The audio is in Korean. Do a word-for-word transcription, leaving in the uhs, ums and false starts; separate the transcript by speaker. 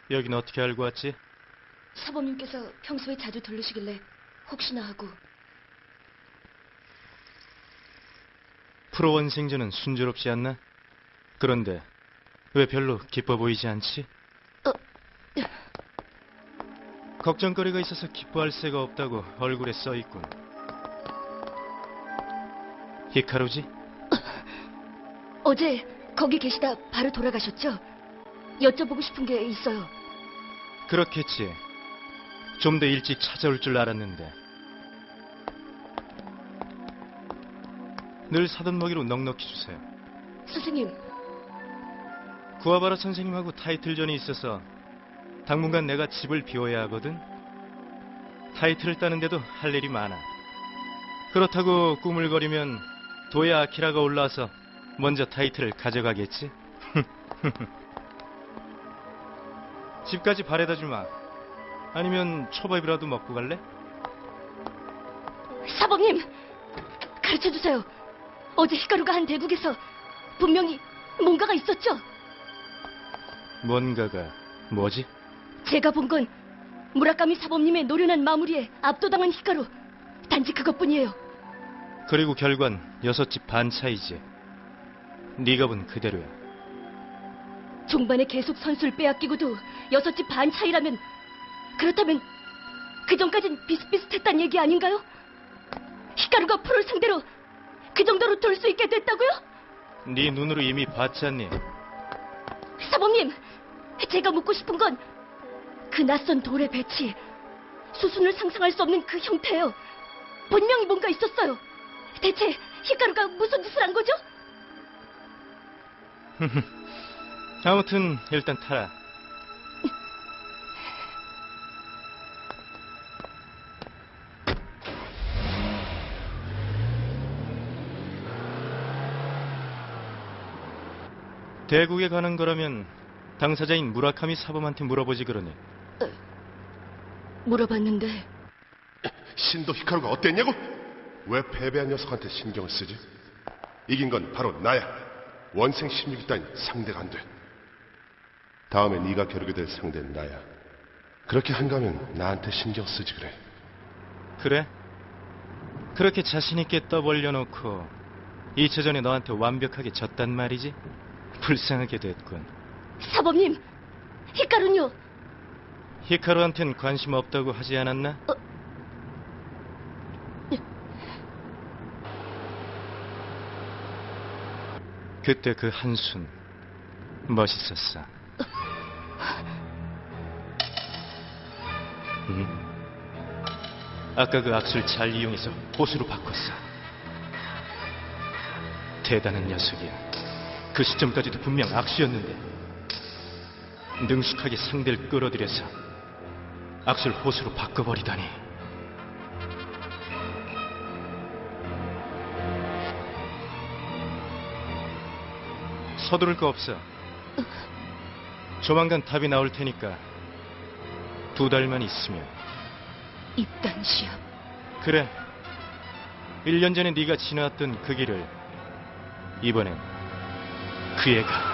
Speaker 1: 여긴 어떻게 알고 왔지?
Speaker 2: 사범님께서 평소에 자주 들르시길래 혹시나 하고.
Speaker 1: 프로원생전은 순조롭지 않나? 그런데 왜 별로 기뻐 보이지 않지?
Speaker 2: 어,
Speaker 1: 걱정거리가 있어서 기뻐할 새가 없다고 얼굴에 써있군. 히카루지?
Speaker 2: 어제 거기 계시다 바로 돌아가셨죠? 여쭤보고 싶은 게 있어요.
Speaker 1: 그렇겠지. 좀 더 일찍 찾아올 줄 알았는데. 늘 사돈 먹이로 넉넉히 주세요.
Speaker 2: 선생님,
Speaker 1: 구아바라 선생님하고 타이틀전이 있어서 당분간 내가 집을 비워야 하거든. 타이틀을 따는데도 할 일이 많아. 그렇다고 꾸물거리면 도야 아키라가 올라와서 먼저 타이틀을 가져가겠지. 집까지 바래다 주마. 아니면 초밥이라도 먹고 갈래?
Speaker 2: 사범님, 가르쳐주세요. 어제 히카루가 한 대국에서 분명히 뭔가가 있었죠?
Speaker 1: 뭔가가 뭐지?
Speaker 2: 제가 본 건 무라카미 사범님의 노련한 마무리에 압도당한 히카루. 단지 그것뿐이에요.
Speaker 1: 그리고 결과는 여섯 집 반 차이지. 네가 본 그대로야.
Speaker 2: 종반에 계속 선수를 빼앗기고도 여섯 집 반 차이라면, 그렇다면 그 전까진 비슷비슷했단 얘기 아닌가요? 히카루가 프로를 상대로 그 정도로 돌 수 있게 됐다고요?
Speaker 1: 네 눈으로 이미 봤지 않니?
Speaker 2: 사범님, 제가 묻고 싶은 건 그 낯선 돌의 배치, 수순을 상상할 수 없는 그 형태예요. 분명히 뭔가 있었어요. 대체 히카루가 무슨 짓을 한 거죠?
Speaker 1: 아무튼 일단 타라. 대국에 가는 거라면 당사자인 무라카미 사범한테 물어보지 그러니.
Speaker 2: 물어봤는데
Speaker 3: 신도 히카루가 어땠냐고? 왜 패배한 녀석한테 신경을 쓰지? 이긴 건 바로 나야. 원생 십육 위 따윈 상대가 안 돼. 다음에 네가 겨루게 될 상대는 나야. 그렇게 한가면 나한테 신경 쓰지 그래.
Speaker 1: 그래? 그렇게 자신있게 떠벌려놓고 이 차전에 너한테 완벽하게 졌단 말이지? 불쌍하게 됐군.
Speaker 2: 사범님, 히카루는요?
Speaker 1: 히카루한텐 관심 없다고 하지 않았나?
Speaker 2: 어...
Speaker 1: 그때 그 한순 멋있었어. 응? 아까 그 악수를 잘 이용해서 보수로 바꿨어. 대단한 녀석이야. 그 시점까지도 분명 악수였는데 능숙하게 상대를 끌어들여서 악수를 호수로 바꿔버리다니. 서두를 거 없어. 조만간 답이 나올 테니까 두 달만 있으면.
Speaker 2: 입단 시합.
Speaker 1: 그래. 일 년 전에 네가 지나왔던 그 길을 이번엔 그 애가